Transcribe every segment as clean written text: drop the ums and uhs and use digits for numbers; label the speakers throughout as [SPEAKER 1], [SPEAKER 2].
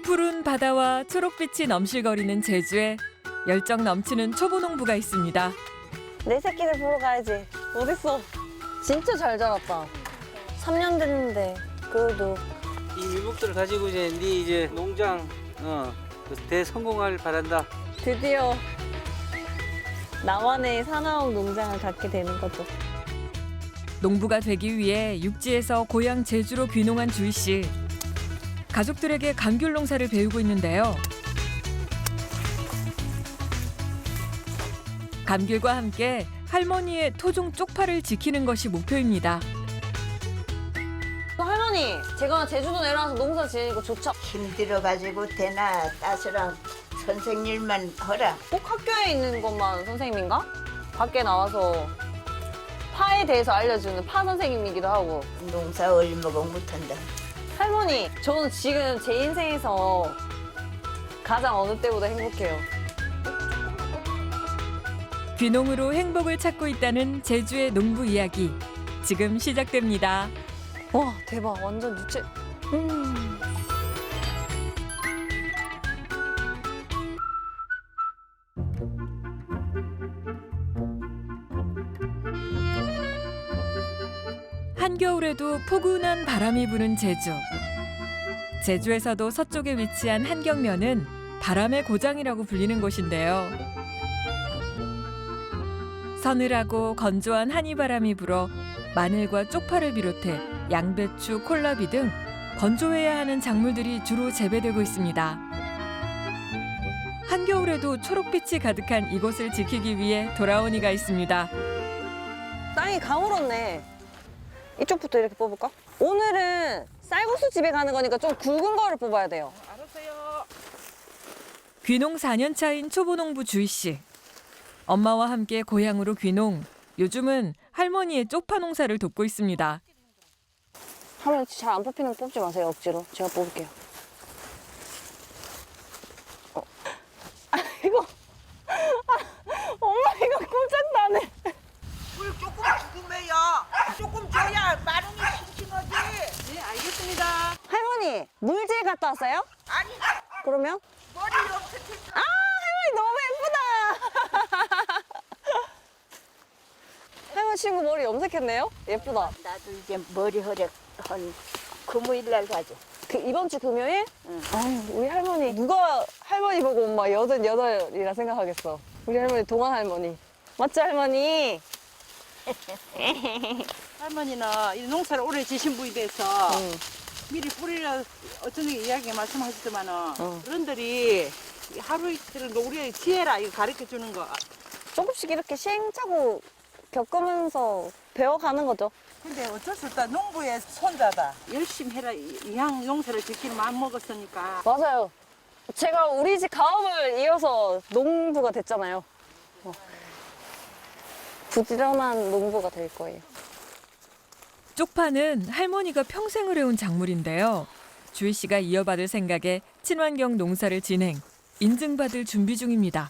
[SPEAKER 1] 푸른 바다와 초록빛이 넘실거리는 제주에 열정 넘치는 초보농부가 있습니다.
[SPEAKER 2] 내 새끼들 보러 가야지. 어딨어? 진짜 잘 자랐다. 3년 됐는데 그래도
[SPEAKER 3] 이 유목들을 가지고 이제 농장 대성공을 바란다.
[SPEAKER 2] 드디어 나만의 사나운 농장을 갖게 되는 거죠.
[SPEAKER 1] 농부가 되기 위해 육지에서 고향 제주로 귀농한 주희 씨. 가족들에게 감귤 농사를 배우고 있는데요. 감귤과 함께 할머니의 토종 쪽파를 지키는 것이 목표입니다.
[SPEAKER 2] 할머니, 제가 제주도 내려와서 농사 지으니까 좋죠?
[SPEAKER 4] 힘들어가지고 대나 따스랑 선생님만 허라.
[SPEAKER 2] 꼭 학교에 있는 것만 선생님인가? 밖에 나와서 파에 대해서 알려주는 파 선생님이기도 하고.
[SPEAKER 4] 농사 얼마고 못한다.
[SPEAKER 2] 할머니, 저는 지금 제 인생에서 가장 어느 때보다 행복해요.
[SPEAKER 1] 귀농으로 행복을 찾고 있다는 제주의 농부 이야기. 지금 시작됩니다.
[SPEAKER 2] 와, 대박. 완전 유채.
[SPEAKER 1] 한겨울에도 포근한 바람이 부는 제주. 제주에서도 서쪽에 위치한 한경면은 바람의 고장이라고 불리는 곳인데요. 서늘하고 건조한 한이바람이 불어 마늘과 쪽파를 비롯해 양배추, 콜라비 등 건조해야 하는 작물들이 주로 재배되고 있습니다. 한겨울에도 초록빛이 가득한 이곳을 지키기 위해 돌아온 이가 있습니다.
[SPEAKER 2] 땅이 가물었네. 이쪽부터 이렇게 뽑을까? 오늘은 쌀국수 집에 가는 거니까 좀 굵은 거를 뽑아야 돼요.
[SPEAKER 1] 귀농 4년 차인 초보농부 주희 씨. 엄마와 함께 고향으로 귀농. 요즘은 할머니의 쪽파 농사를 돕고 있습니다.
[SPEAKER 2] 할머니 잘 안 뽑히는 거 뽑지 마세요, 억지로. 제가 뽑을게요. 이거. 엄마 이거 꼼짝 나네.
[SPEAKER 4] 물 조금 죽으면요. 조금 줘야 마름이 싱싱하지.
[SPEAKER 5] 네, 알겠습니다.
[SPEAKER 2] 할머니, 물질 갔다 왔어요?
[SPEAKER 4] 아니
[SPEAKER 2] 그러면?
[SPEAKER 4] 머리 염색했어.
[SPEAKER 2] 아, 할머니 너무 예쁘다. 할머니 친구 머리 염색했네요? 예쁘다.
[SPEAKER 4] 나도 이제 머리 허락 한 금요일날 가지.
[SPEAKER 2] 그 이번 주 금요일?
[SPEAKER 4] 응.
[SPEAKER 2] 아유, 우리 할머니 누가 할머니 보고 엄마 88이라 생각하겠어. 우리 할머니 동안 할머니. 맞죠, 할머니?
[SPEAKER 5] 할머니는 이 농사를 오래 지신 분이 돼서
[SPEAKER 2] 응.
[SPEAKER 5] 미리 뿌리라 어쩐 이야기 말씀하시더만은
[SPEAKER 2] 응.
[SPEAKER 5] 어른들이 하루 이틀은 우리의 지혜라 이거 가르쳐 주는 거.
[SPEAKER 2] 조금씩 이렇게 시행착오 겪으면서 배워가는 거죠.
[SPEAKER 5] 근데 어쩔 수 없다. 농부의 손자다. 열심히 해라. 이왕 농사를 지키는 마음 먹었으니까.
[SPEAKER 2] 맞아요. 제가 우리 집 가업을 이어서 농부가 됐잖아요. 부지런한 농부가 될 거예요.
[SPEAKER 1] 쪽파는 할머니가 평생을 해온 작물인데요. 주희 씨가 이어받을 생각에 친환경 농사를 진행, 인증받을 준비 중입니다.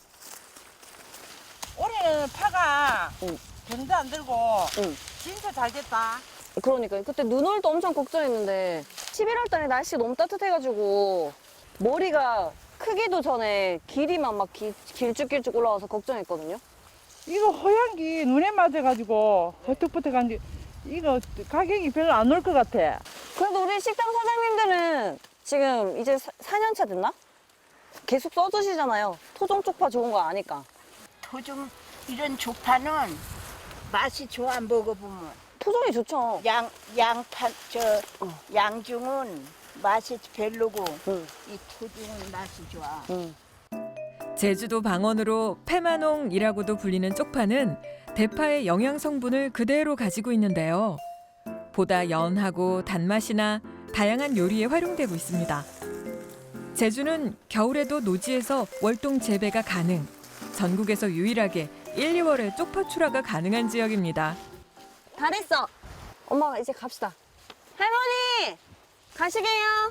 [SPEAKER 5] 올해는 파가
[SPEAKER 2] 응.
[SPEAKER 5] 병도 안 들고
[SPEAKER 2] 응.
[SPEAKER 5] 진짜 잘 됐다.
[SPEAKER 2] 그러니까요. 그때 눈올도 엄청 걱정했는데 11월 달에 날씨 너무 따뜻해가지고 머리가 크기도 전에 길이만 막 길쭉길쭉 올라와서 걱정했거든요.
[SPEAKER 5] 이거 호양기 눈에 맞아가지고 버뜩버뜩한데 이거 가격이 별로 안 올 것 같아.
[SPEAKER 2] 그래도 우리 식당 사장님들은 지금 이제 4년 차 됐나? 계속 써주시잖아요. 토종 쪽파 좋은 거 아니까.
[SPEAKER 4] 토종 이런 조파는 맛이 좋아 먹어보면.
[SPEAKER 2] 토종이 좋죠.
[SPEAKER 4] 양파 양중은 맛이 별로고
[SPEAKER 2] 응.
[SPEAKER 4] 이 토종은 맛이 좋아.
[SPEAKER 2] 응.
[SPEAKER 1] 제주도 방언으로 페마농이라고도 불리는 쪽파는 대파의 영양 성분을 그대로 가지고 있는데요. 보다 연하고 단맛이나 다양한 요리에 활용되고 있습니다. 제주는 겨울에도 노지에서 월동 재배가 가능. 전국에서 유일하게 1, 2월에 쪽파 출하가 가능한 지역입니다.
[SPEAKER 2] 다 됐어. 엄마가 이제 갑시다. 할머니! 가시게요.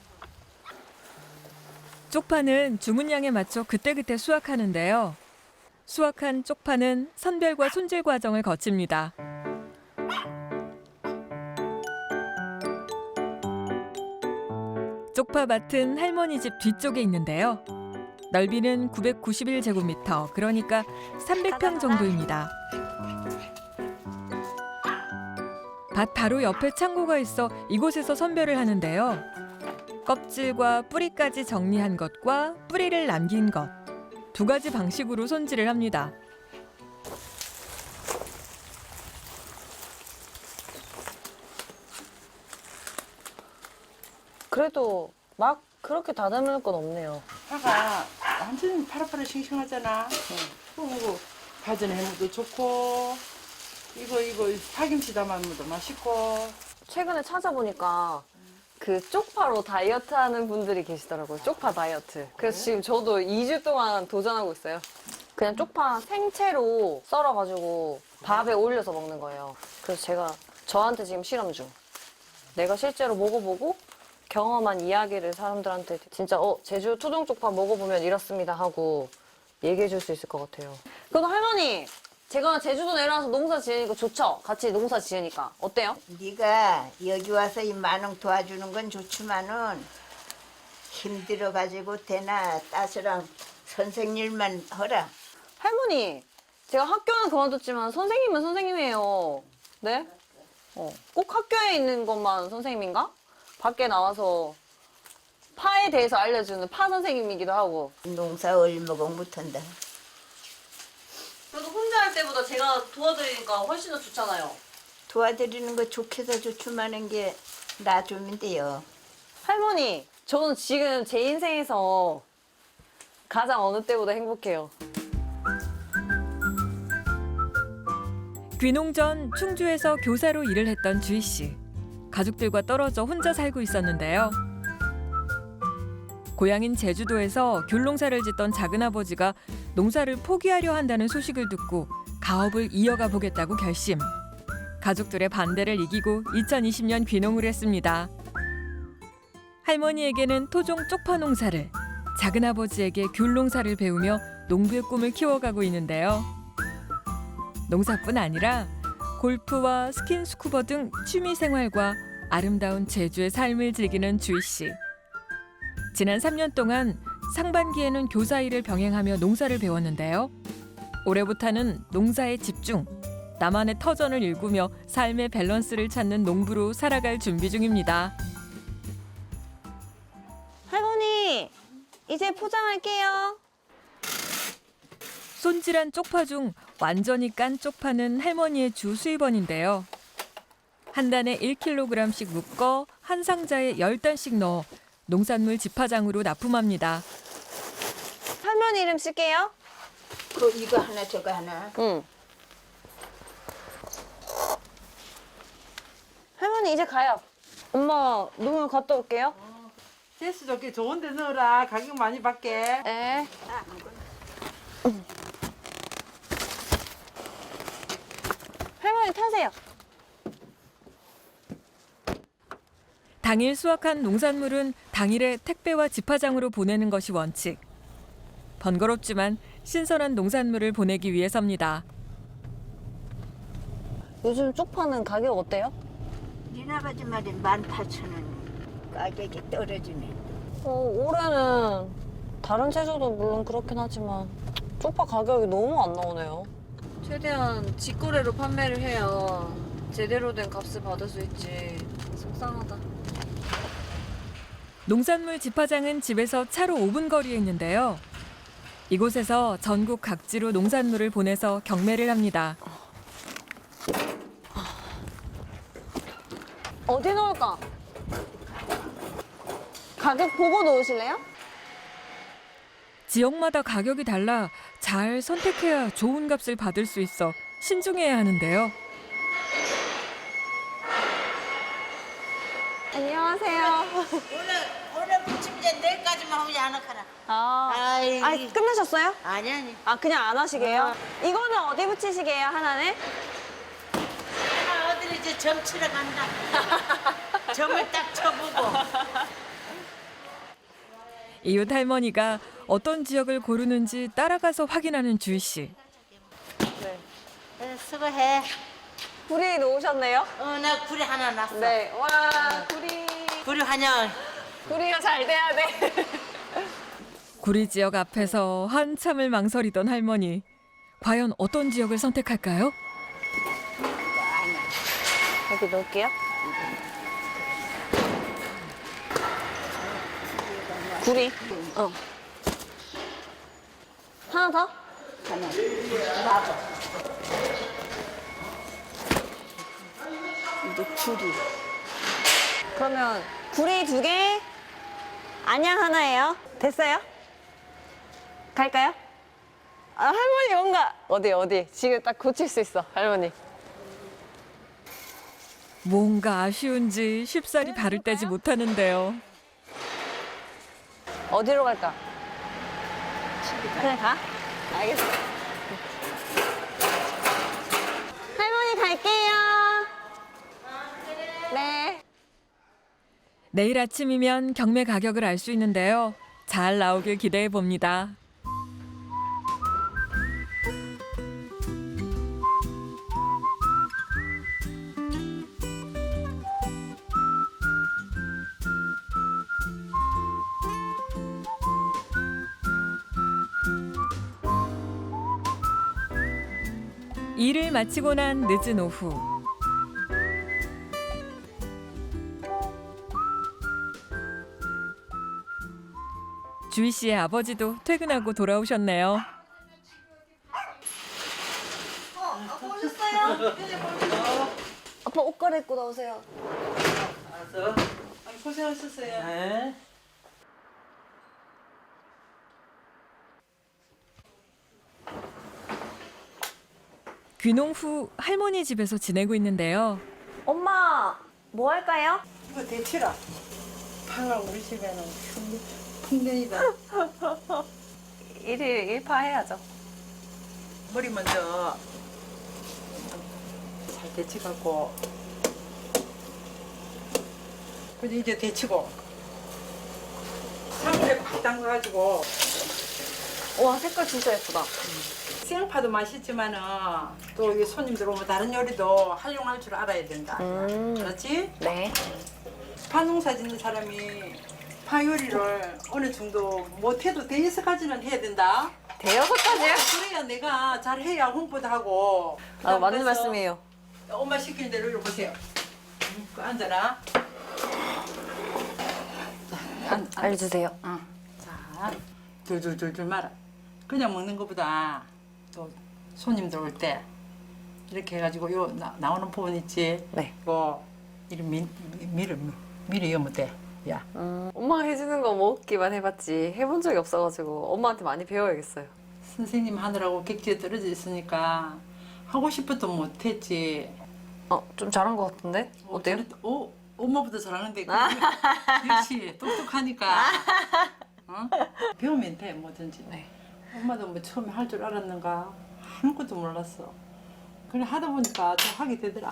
[SPEAKER 1] 쪽파는 주문량에 맞춰 그때그때 수확하는데요. 수확한 쪽파는 선별과 손질 과정을 거칩니다. 쪽파밭은 할머니 집 뒤쪽에 있는데요. 넓이는 991제곱미터, 그러니까 300평 정도입니다. 밭 바로 옆에 창고가 있어 이곳에서 선별을 하는데요. 껍질과 뿌리까지 정리한 것과 뿌리를 남긴 것, 두 가지 방식으로 손질을 합니다.
[SPEAKER 2] 그래도 막 그렇게 다듬을 건 없네요.
[SPEAKER 5] 파가 완전 파릇파릇 싱싱하잖아. 그리고 가전 해무도 좋고 이거 파김치 담아먹어도 맛있고.
[SPEAKER 2] 최근에 찾아보니까 그 쪽파로 다이어트 하는 분들이 계시더라고요. 쪽파 다이어트. 그래서 지금 저도 2주 동안 도전하고 있어요. 그냥 쪽파 생채로 썰어가지고 밥에 올려서 먹는 거예요. 그래서 제가 저한테 지금 실험 중. 내가 실제로 먹어보고 경험한 이야기를 사람들한테 진짜 제주 토종 쪽파 먹어보면 이렇습니다 하고 얘기해 줄 수 있을 것 같아요. 그래도 할머니, 제가 제주도 내려와서 농사 지으니까 좋죠? 같이 농사 지으니까. 어때요?
[SPEAKER 4] 네가 여기 와서 이 마농 도와주는 건 좋지만은 힘들어가지고 대나 따스랑 선생님만 하라.
[SPEAKER 2] 할머니, 제가 학교는 그만뒀지만 선생님은 선생님이에요. 네? 꼭 학교에 있는 것만 선생님인가? 밖에 나와서 파에 대해서 알려주는 파 선생님이기도 하고.
[SPEAKER 4] 농사 얼마고 못한다.
[SPEAKER 2] 그래도 혼자 할 때보다 제가 도와드리니까 훨씬 더 좋잖아요.
[SPEAKER 4] 도와드리는 거 좋게서 좋지만은 게 놔주면 돼요.
[SPEAKER 2] 할머니, 저는 지금 제 인생에서 가장 어느 때보다 행복해요.
[SPEAKER 1] 귀농 전 충주에서 교사로 일을 했던 주희 씨. 가족들과 떨어져 혼자 살고 있었는데요. 고향인 제주도에서 귤농사를 짓던 작은아버지가 농사를 포기하려 한다는 소식을 듣고 가업을 이어가 보겠다고 결심. 가족들의 반대를 이기고 2020년 귀농을 했습니다. 할머니에게는 토종 쪽파 농사를, 작은아버지에게 귤농사를 배우며 농부의 꿈을 키워가고 있는데요. 농사뿐 아니라 골프와 스킨스쿠버 등 취미 생활과 아름다운 제주의 삶을 즐기는 주희 씨. 지난 3년 동안 상반기에는 교사 일을 병행하며 농사를 배웠는데요. 올해부터는 농사에 집중, 나만의 터전을 일구며 삶의 밸런스를 찾는 농부로 살아갈 준비 중입니다.
[SPEAKER 2] 할머니, 이제 포장할게요.
[SPEAKER 1] 손질한 쪽파 중 완전히 깐 쪽파는 할머니의 주 수입원인데요. 한 단에 1kg씩 묶어 한 상자에 10단씩 넣어 농산물 집화장으로 납품합니다.
[SPEAKER 2] 할머니 이름 쓸게요.
[SPEAKER 4] 이거 하나 저거 하나.
[SPEAKER 2] 응. 할머니 이제 가요. 엄마 농을 갔다 올게요.
[SPEAKER 5] 재수 좋게 좋은 데 넣어라. 가격 많이 받게.
[SPEAKER 2] 네. 할머니 타세요.
[SPEAKER 1] 당일 수확한 농산물은 당일에 택배와 집화장으로 보내는 것이 원칙. 번거롭지만 신선한 농산물을 보내기 위해서입니다.
[SPEAKER 2] 요즘 쪽파는 가격 어때요?
[SPEAKER 4] 니나가지 말이 18,000원. 가격이 떨어지네.
[SPEAKER 2] 올해는 다른 채소도 물론 그렇긴 하지만 쪽파 가격이 너무 안 나오네요. 최대한 직거래로 판매를 해야 제대로 된 값을 받을 수 있지. 속상하다.
[SPEAKER 1] 농산물 집화장은 집에서 차로 5분 거리에 있는데요. 이곳에서 전국 각지로 농산물을 보내서 경매를 합니다.
[SPEAKER 2] 어디 넣을까? 가격 보고 넣으실래요?
[SPEAKER 1] 지역마다 가격이 달라 잘 선택해야 좋은 값을 받을 수 있어 신중해야 하는데요.
[SPEAKER 2] 안녕하세요.
[SPEAKER 4] 오늘 붙이면 이제 내일까지만 하면 안 하카라.
[SPEAKER 2] 아, 끝나셨어요?
[SPEAKER 4] 아니.
[SPEAKER 2] 아, 그냥 안 하시게요? 이거는 어디 붙이시게요, 하나는?
[SPEAKER 4] 하나 어디를 이제 점 치러 간다. 점을 딱 쳐보고.
[SPEAKER 1] 이웃 할머니가 어떤 지역을 고르는지 따라가서 확인하는 주희 씨.
[SPEAKER 4] 수고해.
[SPEAKER 2] 굴이 놓으셨네요?
[SPEAKER 4] 나 굴이 하나 났어.
[SPEAKER 2] 네. 와, 굴이.
[SPEAKER 4] 굴이 환영.
[SPEAKER 2] 구리가 잘 돼야 돼.
[SPEAKER 1] 구리 지역 앞에서 한참을 망설이던 할머니. 과연 어떤 지역을 선택할까요?
[SPEAKER 2] 여기 넣을게요. 구리. 어. 하나 더? 이제 구리. 그러면 구리 2개, 안양 하나예요. 됐어요? 갈까요? 아, 할머니 뭔가 어디 지금 딱 고칠 수 있어, 할머니.
[SPEAKER 1] 뭔가 아쉬운지 쉽사리 발을 떼지 못하는데요.
[SPEAKER 2] 어디로 갈까? 그냥 가? 알겠어. 할머니 갈게요. 네.
[SPEAKER 1] 내일 아침이면 경매 가격을 알 수 있는데요. 잘 나오길 기대해 봅니다. 일을 마치고 난 늦은 오후. 주희 씨의 아버지도 퇴근하고 돌아오셨네요.
[SPEAKER 2] 아빠 옷 갈아입고 나오세요.
[SPEAKER 3] 알았어.
[SPEAKER 5] 고생하셨어요.
[SPEAKER 3] 네.
[SPEAKER 1] 귀농 후 할머니 집에서 지내고 있는데요.
[SPEAKER 2] 엄마, 뭐 할까요?
[SPEAKER 5] 이거 대치라. 방학 우리 집에는 풍년이다.
[SPEAKER 2] 일파 해야죠.
[SPEAKER 5] 머리 먼저 잘 데치갖고 그래서 이제 데치고 찬물에 팍 담가가지고
[SPEAKER 2] 와, 색깔 진짜 예쁘다.
[SPEAKER 5] 생파도 맛있지만은 또 이게 손님들 오면 다른 요리도 활용할 줄 알아야 된다. 그렇지?
[SPEAKER 2] 네.
[SPEAKER 5] 파농사 짓는 사람이 파 요리를 어느 정도 못해도 대여섯까지는 해야 된다.
[SPEAKER 2] 대여섯까지요?
[SPEAKER 5] 그래야 내가 잘해야 홍보도 하고.
[SPEAKER 2] 아, 맞는
[SPEAKER 5] 그래서
[SPEAKER 2] 말씀이에요.
[SPEAKER 5] 엄마 시키는 대로 이리 보세요. 그 앉아라. 자,
[SPEAKER 2] 알려주세요.
[SPEAKER 5] 자, 둘둘둘둘 말아. 그냥 먹는 것보다 또 손님들 올 때 이렇게 해가지고 요 나오는 부분 있지.
[SPEAKER 2] 네.
[SPEAKER 5] 이거 이리 미리 이으면 돼. 야.
[SPEAKER 2] 엄마가 해주는 거 먹기만 해봤지 해본 적이 없어가지고 엄마한테 많이 배워야겠어요.
[SPEAKER 5] 선생님 하느라고 객지에 떨어져 있으니까 하고 싶어도 못했지.
[SPEAKER 2] 좀 잘한 것 같은데? 어때요?
[SPEAKER 5] 엄마보다 잘하는데. 그렇지. 똑똑하니까. 어? 배우면 돼, 뭐든지.
[SPEAKER 2] 네.
[SPEAKER 5] 엄마도 뭐 처음에 할 줄 알았는가? 아무것도 몰랐어. 그래 하다 보니까 좀 하게 되더라.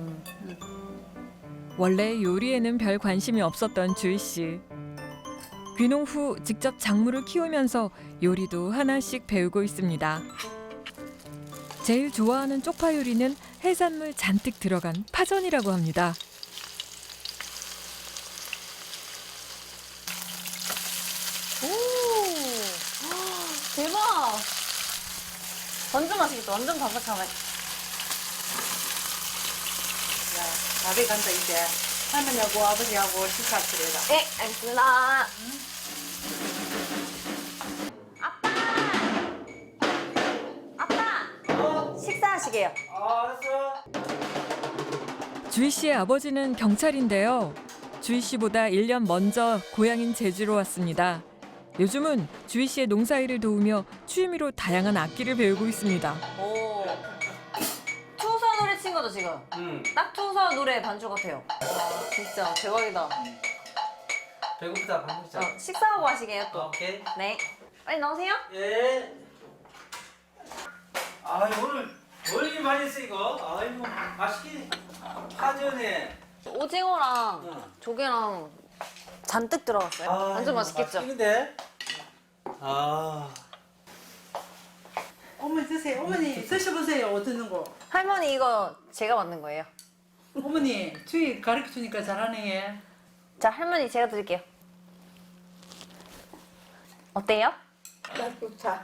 [SPEAKER 1] 원래 요리에는 별 관심이 없었던 주희 씨. 귀농 후 직접 작물을 키우면서 요리도 하나씩 배우고 있습니다. 제일 좋아하는 쪽파 요리는 해산물 잔뜩 들어간 파전이라고 합니다.
[SPEAKER 2] 대박! 완전 맛있겠다. 완전 바삭하네.
[SPEAKER 5] 야, 밥에 간다 이제. 할머니하고 아버지하고 식사하시래라.
[SPEAKER 2] 네, 알겠습니다. 아빠! 식사하시게요.
[SPEAKER 3] 알았어.
[SPEAKER 1] 주희 씨의 아버지는 경찰인데요. 주희 씨보다 1년 먼저 고향인 제주로 왔습니다. 요즘은 주희 씨의 농사일을 도우며 취미로 다양한 악기를 배우고 있습니다.
[SPEAKER 2] 오. 투서 노래 친 거죠, 지금?
[SPEAKER 3] 응.
[SPEAKER 2] 딱 투서 노래 반주 같아요. 와, 진짜 대박이다.
[SPEAKER 3] 배고프다 밥 먹자.
[SPEAKER 2] 식사하고 하시게요, 또.
[SPEAKER 3] 오케이.
[SPEAKER 2] 네. 빨리 나오세요.
[SPEAKER 3] 예. 아 오늘 뭘 이렇게 많이 했어 이거? 아이고 맛있게 파전에.
[SPEAKER 2] 오징어랑
[SPEAKER 3] 응.
[SPEAKER 2] 조개랑 잔뜩 들어갔어요. 완전 맛있겠죠?
[SPEAKER 3] 맛있는데? 아.
[SPEAKER 5] 어머니 드세요. 어머니 드셔보세요. 어떠는 거.
[SPEAKER 2] 할머니 이거 제가 만든 거예요.
[SPEAKER 5] 어머니 주희 가르쳐 주니까 잘하네.
[SPEAKER 2] 자, 할머니 제가 드릴게요. 어때요?
[SPEAKER 4] 좋다.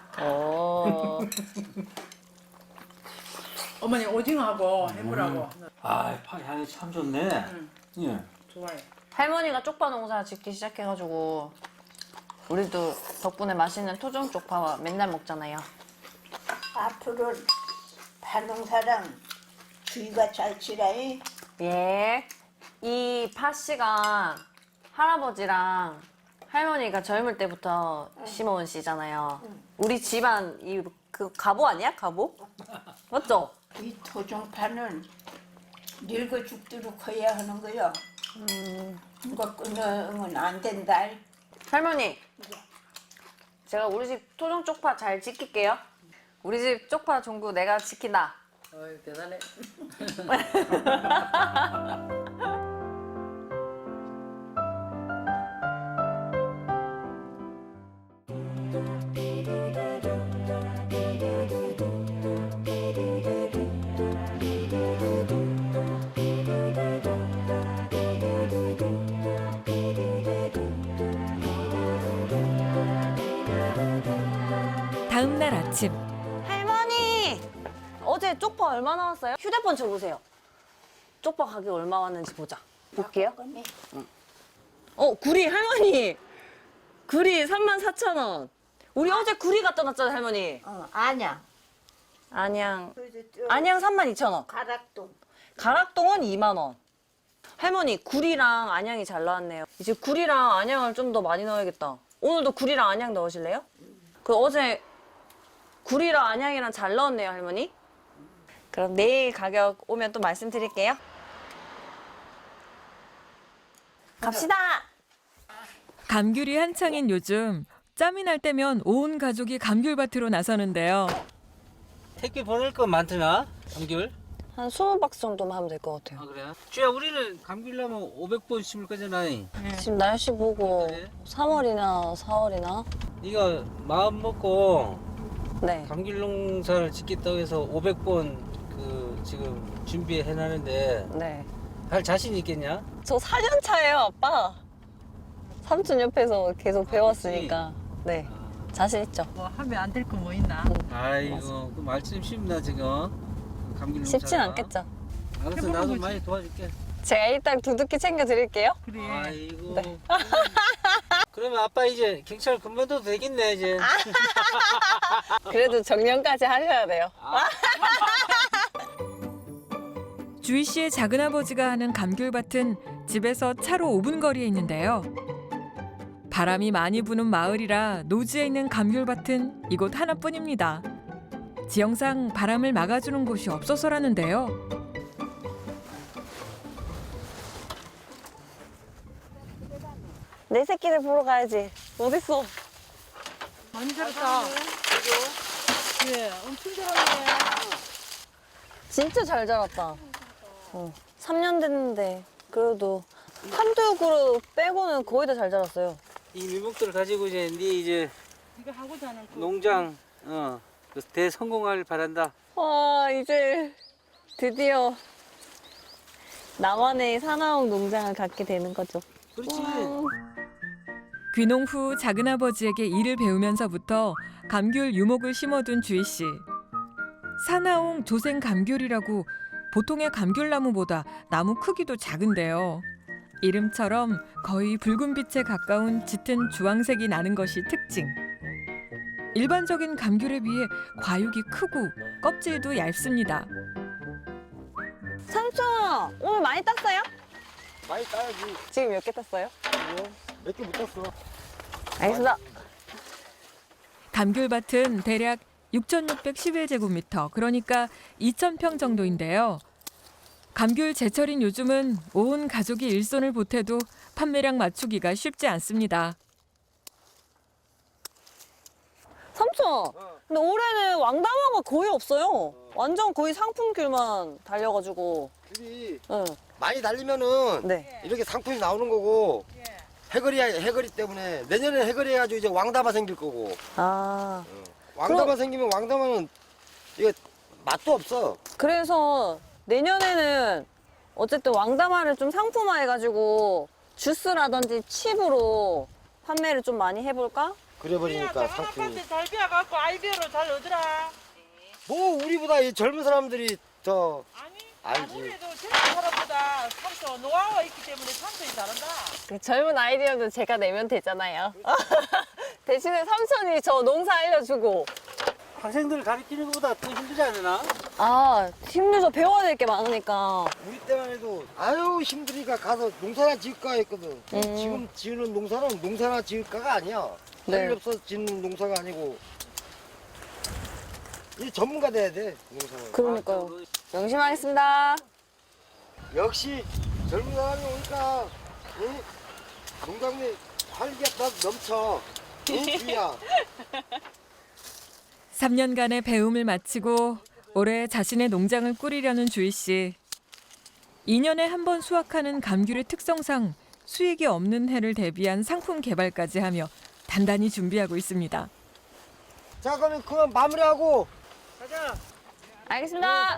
[SPEAKER 5] 어머니 오징어하고 해물하고
[SPEAKER 3] 아, 파 향이 참 좋네. 예.
[SPEAKER 5] 좋아해.
[SPEAKER 2] 할머니가 쪽파 농사 짓기 시작해가지고 우리도 덕분에 맛있는 토종 쪽파 맨날 먹잖아요.
[SPEAKER 4] 앞으로 파농사랑 주의가 잘 치라이.
[SPEAKER 2] 예. 이 팥씨가 할아버지랑 할머니가 젊을 때부터 심어온 씨잖아요. 우리 집안 그 가보 아니야? 가보? 맞죠?
[SPEAKER 4] 이 토종파는 늙어 죽도록 커야 하는 거요. 이거 끊으면 안 된다.
[SPEAKER 2] 할머니, 제가 우리 집 토종 쪽파 잘 지킬게요. 우리 집 쪽파 종구 내가 지킨다.
[SPEAKER 5] 어이 대단해.
[SPEAKER 1] 다음 날 아침
[SPEAKER 2] 할머니! 어제 쪽파 얼마 나왔어요? 휴대폰 줘보세요. 쪽파 가격 얼마 왔는지 보자. 볼게요. 구리 할머니! 구리 34,000원. 우리 어제 구리 갖다 놨잖아요, 할머니.
[SPEAKER 4] 아냐.
[SPEAKER 2] 안양 32,000원.
[SPEAKER 4] 가락동.
[SPEAKER 2] 가락동은 2만 원. 할머니, 구리랑 안양이 잘 나왔네요. 이제 구리랑 안양을 좀 더 많이 넣어야겠다. 오늘도 구리랑 안양 넣으실래요? 그 어제 구리랑 안양이랑 잘 넣었네요, 할머니. 그럼 내일 가격 오면 또 말씀드릴게요. 갑시다.
[SPEAKER 1] 감귤이 한창인 요즘 짬이 날 때면 온 가족이 감귤밭으로 나서는데요.
[SPEAKER 3] 택배 보낼 거 많더나? 감귤?
[SPEAKER 2] 한 20박스 정도만 하면 될 것 같아요.
[SPEAKER 3] 아, 그래? 주야, 우리는 감귤 나면 500번 심을 거잖아.
[SPEAKER 2] 지금 날씨 보고
[SPEAKER 3] 그래?
[SPEAKER 2] 3월이나 4월이나
[SPEAKER 3] 네가 마음 먹고
[SPEAKER 2] 네.
[SPEAKER 3] 감귤 농사를 짓겠다고 해서 500번 지금 준비해놨는데
[SPEAKER 2] 네.
[SPEAKER 3] 할 자신 있겠냐?
[SPEAKER 2] 저 4년 차예요, 아빠. 삼촌 옆에서 계속 배웠으니까. 네. 자신 있죠.
[SPEAKER 5] 뭐 하면 안 될 거 뭐 있나?
[SPEAKER 3] 아이고, 그 말씀 쉽나 지금? 감귤 농사.
[SPEAKER 2] 쉽진 않겠죠.
[SPEAKER 3] 알았어,
[SPEAKER 5] 해보는
[SPEAKER 3] 나도
[SPEAKER 5] 거지.
[SPEAKER 3] 많이 도와줄게.
[SPEAKER 2] 제가 일단 두둑히 챙겨드릴게요.
[SPEAKER 5] 그래.
[SPEAKER 3] 아이고.
[SPEAKER 2] 네.
[SPEAKER 3] 그러면 아빠 이제 경찰 그만둬도 되겠네 이제.
[SPEAKER 2] 그래도 정년까지 하셔야 돼요.
[SPEAKER 1] 주희 씨의 작은아버지가 하는 감귤밭은 집에서 차로 5분 거리에 있는데요. 바람이 많이 부는 마을이라 노지에 있는 감귤밭은 이곳 하나뿐입니다. 지형상 바람을 막아주는 곳이 없어서라는데요.
[SPEAKER 2] 내 새끼들 보러 가야지. 어딨어?
[SPEAKER 5] 많이 자랐다. 예, 엄청 자랐네.
[SPEAKER 2] 진짜 잘 자랐다. 3년 됐는데 그래도 한두 그루 빼고는 거의 다 잘 자랐어요.
[SPEAKER 3] 이 밀목들을 가지고 이제
[SPEAKER 5] 네가 하고자 하는 그
[SPEAKER 3] 농장 그 대성공을 바란다.
[SPEAKER 2] 와, 이제 드디어 나만의 사나운 농장을 갖게 되는 거죠.
[SPEAKER 3] 그렇지.
[SPEAKER 1] 귀농 후 작은아버지에게 일을 배우면서부터 감귤 유목을 심어둔 주희 씨. 사나옹 조생 감귤이라고 보통의 감귤나무보다 나무 크기도 작은데요. 이름처럼 거의 붉은 빛에 가까운 짙은 주황색이 나는 것이 특징. 일반적인 감귤에 비해 과육이 크고 껍질도 얇습니다.
[SPEAKER 2] 삼촌, 오늘 많이 땄어요?
[SPEAKER 6] 많이 따야지.
[SPEAKER 2] 지금 몇 개 땄어요?
[SPEAKER 6] 몇 개 못 땄어.
[SPEAKER 2] 알겠습니다.
[SPEAKER 1] 감귤밭은 대략 6,611제곱미터, 그러니까 2,000평 정도인데요. 감귤 제철인 요즘은 온 가족이 일손을 보태도 판매량 맞추기가 쉽지 않습니다.
[SPEAKER 2] 삼촌, 근데 올해는 왕다마가 거의 없어요. 완전 거의 상품귤만 달려가지고.
[SPEAKER 6] 귤이
[SPEAKER 2] 응.
[SPEAKER 6] 많이 달리면은
[SPEAKER 2] 네.
[SPEAKER 6] 이렇게 상품이 나오는 거고 해거리 때문에 내년에 해거리 해가지고 이제 왕다마 생길 거고
[SPEAKER 2] 아,
[SPEAKER 6] 왕다마 생기면 왕다마는 이게 맛도 없어.
[SPEAKER 2] 그래서 내년에는 어쨌든 왕다마를 좀 상품화해가지고 주스라든지 칩으로 판매를 좀 많이 해볼까?
[SPEAKER 6] 그래버리니까 상품이.
[SPEAKER 5] 아빠한테 잘 배워갖고 아이디어로 잘 얻으라.
[SPEAKER 6] 뭐 우리보다 이 젊은 사람들이 더
[SPEAKER 5] 아니
[SPEAKER 6] 알지.
[SPEAKER 5] 아무래도 젊은 사람보다 삼촌 노하우가 있기 때문에 삼촌이 잘한다.
[SPEAKER 2] 그 젊은 아이디어도 제가 내면 되잖아요. 대신에 삼촌이 저 농사 알려주고.
[SPEAKER 3] 학생들 가르치는 것보다 더 힘들지 않으나?
[SPEAKER 2] 아, 힘들죠. 배워야 될 게 많으니까.
[SPEAKER 6] 우리 때만 해도 아유 힘드니까 가서 농사나 지을까 했거든. 지금 지으는 농사는 농사나 지을까가 아니야.
[SPEAKER 2] 네.
[SPEAKER 6] 할 일 없어서 짓는 농사가 아니고 이 전문가 돼야 돼 농사는.
[SPEAKER 2] 그러니까요. 명심하겠습니다.
[SPEAKER 6] 역시 젊은 사람이 오니까 농장에 활기가 더 넘쳐. 주희야.
[SPEAKER 1] 3년간의 배움을 마치고 올해 자신의 농장을 꾸리려는 주희 씨. 2년에 한 번 수확하는 감귤의 특성상 수익이 없는 해를 대비한 상품 개발까지 하며 단단히 준비하고 있습니다.
[SPEAKER 6] 자 그러면 그만 마무리하고
[SPEAKER 3] 가자.
[SPEAKER 2] 알겠습니다.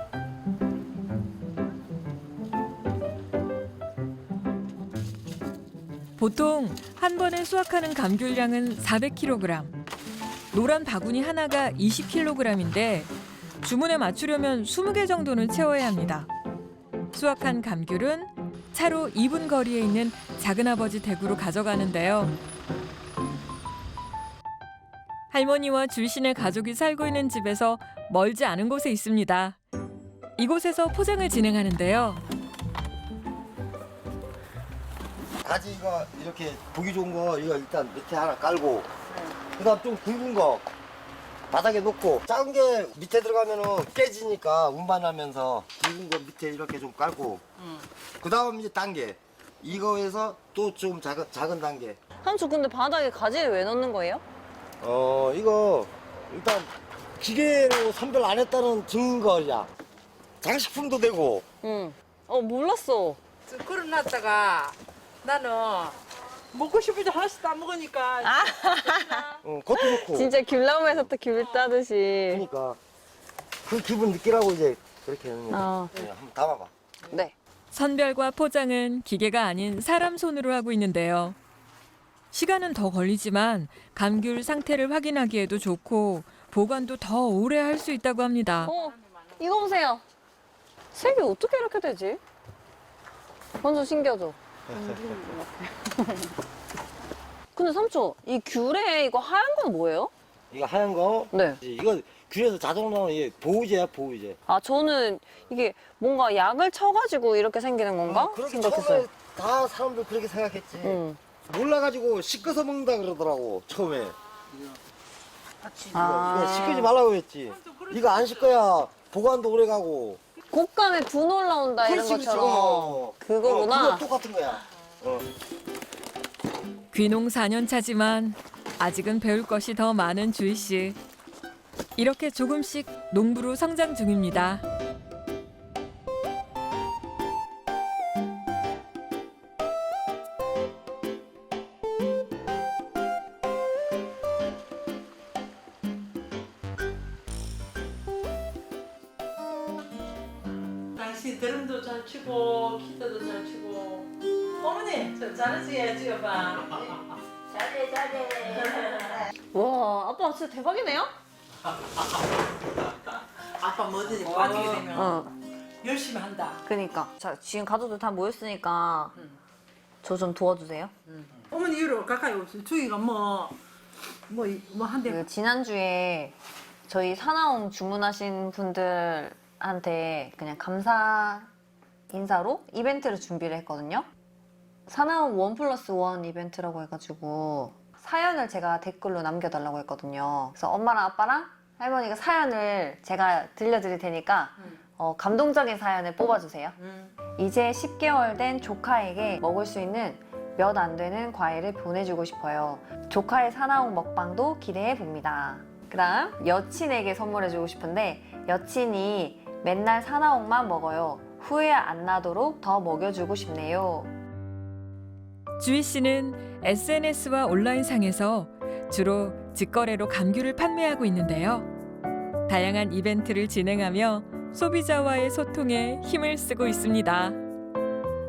[SPEAKER 1] 보통 한 번에 수확하는 감귤량은 400kg. 노란 바구니 하나가 20kg인데 주문에 맞추려면 20개 정도는 채워야 합니다. 수확한 감귤은 차로 2분 거리에 있는 작은아버지 댁으로 가져가는데요. 할머니와 줄신의 가족이 살고 있는 집에서 멀지 않은 곳에 있습니다. 이곳에서 포장을 진행하는데요.
[SPEAKER 6] 가지 이거 이렇게 보기 좋은 거 이거 일단 밑에 하나 깔고 그다음 좀 굵은 거 바닥에 놓고 작은 게 밑에 들어가면은 깨지니까 운반하면서 굵은 거 밑에 이렇게 좀 깔고 그다음 이제 단계 이거에서 또 좀 작은 단계
[SPEAKER 2] 삼촌 근데 바닥에 가지를 왜 넣는 거예요?
[SPEAKER 6] 이거 일단 기계로 선별 안 했다는 증거야. 장식품도 되고
[SPEAKER 2] 응. 몰랐어.
[SPEAKER 5] 걸어놨다가 나는 먹고 싶을 때 하나씩 다 먹으니까
[SPEAKER 6] 그것도 좋고
[SPEAKER 2] 진짜 귤나무에서 또 귤 따듯이.
[SPEAKER 6] 그러니까 그 기분 느끼라고 이제 그렇게 하는 거야.
[SPEAKER 2] 아,
[SPEAKER 6] 한번 담아봐.
[SPEAKER 2] 네.
[SPEAKER 1] 선별과 포장은 기계가 아닌 사람 손으로 하고 있는데요. 시간은 더 걸리지만 감귤 상태를 확인하기에도 좋고 보관도 더 오래 할 수 있다고 합니다.
[SPEAKER 2] 이거 보세요. 색이 어떻게 이렇게 되지? 완전 신기하죠? 근데 삼촌, 이 귤에 이거 하얀 건 뭐예요?
[SPEAKER 6] 이거 하얀 거
[SPEAKER 2] 네.
[SPEAKER 6] 이거 귤에서 자동으로 나오는 이게 보호제야 보호제.
[SPEAKER 2] 아, 저는 이게 뭔가 약을 쳐가지고 이렇게 생기는 건가?
[SPEAKER 6] 그렇게
[SPEAKER 2] 생각했어요.
[SPEAKER 6] 처음에 다 사람들 그렇게 생각했지.
[SPEAKER 2] 응.
[SPEAKER 6] 몰라가지고 씻어서 먹는다 그러더라고 처음에.
[SPEAKER 2] 아.
[SPEAKER 6] 이거 씻기지 말라고 했지. 이거 안 씻어야 보관도 오래 가고.
[SPEAKER 2] 곶감에 분 올라온다 이런
[SPEAKER 6] 그렇지,
[SPEAKER 2] 것처럼. 그거구나.
[SPEAKER 6] 그거 똑같은 거야.
[SPEAKER 1] 귀농 4년 차지만 아직은 배울 것이 더 많은 주희 씨. 이렇게 조금씩 농부로 성장 중입니다.
[SPEAKER 5] 당신 드럼도 잘 치고 기타도 잘 치고 어머니 저 잘하시게 찍어봐.
[SPEAKER 2] 와, 아빠 진짜 대박이네요?
[SPEAKER 5] 아빠 뭐든지 빠지게 되면
[SPEAKER 2] 어.
[SPEAKER 5] 열심히 한다.
[SPEAKER 2] 그니까. 자, 지금 가족들 다 모였으니까 저 좀 도와주세요.
[SPEAKER 5] 어머니 이리로 가까이 오세요. 주희가 뭐 한대.
[SPEAKER 2] 그 지난주에 저희 사나움 주문하신 분들한테 그냥 감사 인사로 이벤트를 준비를 했거든요. 사나움 1+1 이벤트라고 해가지고 사연을 제가 댓글로 남겨달라고 했거든요. 그래서 엄마랑 아빠랑 할머니가 사연을 제가 들려드릴 테니까 감동적인 사연을 뽑아주세요. 이제 10개월 된 조카에게 먹을 수 있는 몇 안 되는 과일을 보내주고 싶어요. 조카의 사나움 먹방도 기대해 봅니다. 그다음 여친에게 선물해주고 싶은데 여친이 맨날 사나움만 먹어요. 후회 안 나도록 더 먹여주고 싶네요.
[SPEAKER 1] 주희 씨는 SNS와 온라인상에서 주로 직거래로 감귤을 판매하고 있는데요. 다양한 이벤트를 진행하며 소비자와의 소통에 힘을 쓰고 있습니다.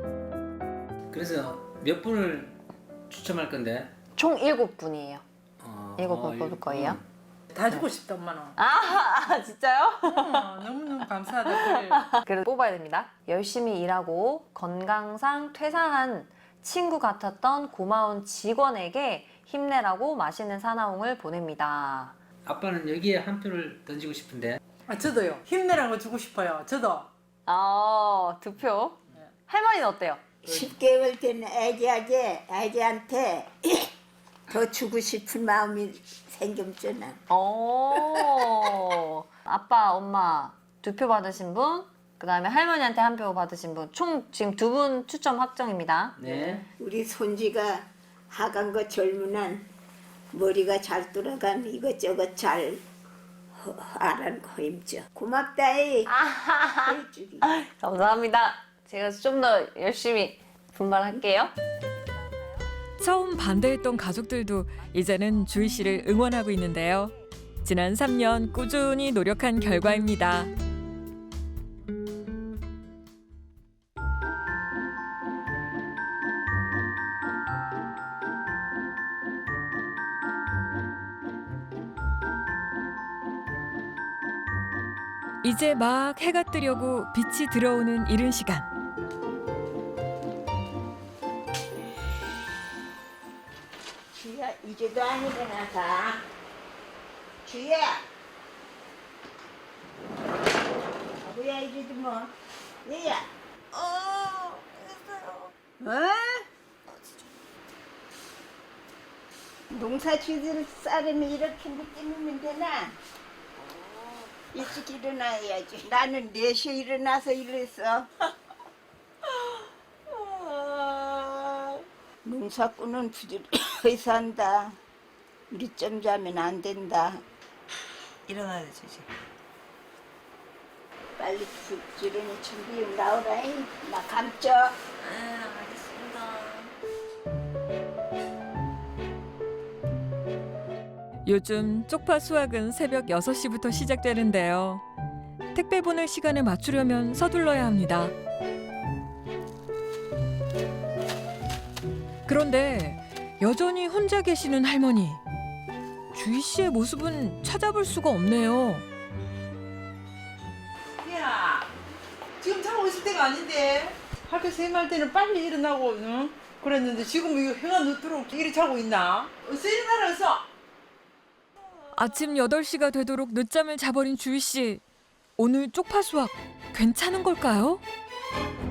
[SPEAKER 3] 그래서 몇 분을 추첨할 건데?
[SPEAKER 2] 총 7분이에요. 이거 뽑을 거예요?
[SPEAKER 5] 다 주고 싶다 엄마는.
[SPEAKER 2] 아, 진짜요?
[SPEAKER 5] 너무너무 감사하다. 그래.
[SPEAKER 2] 그래도 뽑아야 됩니다. 열심히 일하고 건강상 퇴사한 친구 같았던 고마운 직원에게 힘내라고 맛있는 사나움을 보냅니다.
[SPEAKER 3] 아빠는 여기에 한 표를 던지고 싶은데.
[SPEAKER 5] 아 저도요. 힘내라는 거 주고 싶어요. 저도.
[SPEAKER 2] 아, 2표. 할머니는 어때요?
[SPEAKER 4] 10개월 된 애기한테 더 주고 싶은 마음이 생겼잖아.
[SPEAKER 2] 아빠, 엄마 2표 받으신 분, 그 다음에 할머니한테 1표 받으신 분, 총 지금 2분 추첨 확정입니다.
[SPEAKER 3] 네.
[SPEAKER 4] 우리 손지가 하간 거 젊은 한 머리가 잘 돌아간 이것저것 잘 알아고 힘줘. 고맙다이. 해주기.
[SPEAKER 2] 감사합니다. 제가 좀 더 열심히 분발할게요.
[SPEAKER 1] 처음 반대했던 가족들도 이제는 주희 씨를 응원하고 있는데요. 지난 3년 꾸준히 노력한 결과입니다. 이제 막 해가 뜨려고 빛이 들어오는 이른 시간.
[SPEAKER 4] 주야 이제도 안 일어나서. 주야. 뭐야 이제도 뭐. 얘야. 농사 지을 사람이 이렇게 늦게 누면 되나? 일찍 일어나야지. 나는 4시에 일어나서 일했어. 농사꾼은 부지런히 산다. 늦잠 자면 안 된다.
[SPEAKER 5] 일어나야 되지.
[SPEAKER 4] 빨리 부지런히 준비 나오라잉. 나 감쪄.
[SPEAKER 1] 요즘 쪽파 수확은 새벽 6시부터 시작되는데요. 택배 보낼 시간에 맞추려면 서둘러야 합니다. 그런데 여전히 혼자 계시는 할머니. 주희 씨의 모습은 찾아볼 수가 없네요.
[SPEAKER 5] 야, 지금 자고 있을 때가 아닌데. 학교 생활 때는 빨리 일어나고, 응? 그랬는데 지금 이거 해가 늦도록 이리 자고 있나? 어서 일어나라, 어서!
[SPEAKER 1] 아침 8시가 되도록 늦잠을 자버린 주희 씨. 오늘 쪽파 수확 괜찮은 걸까요?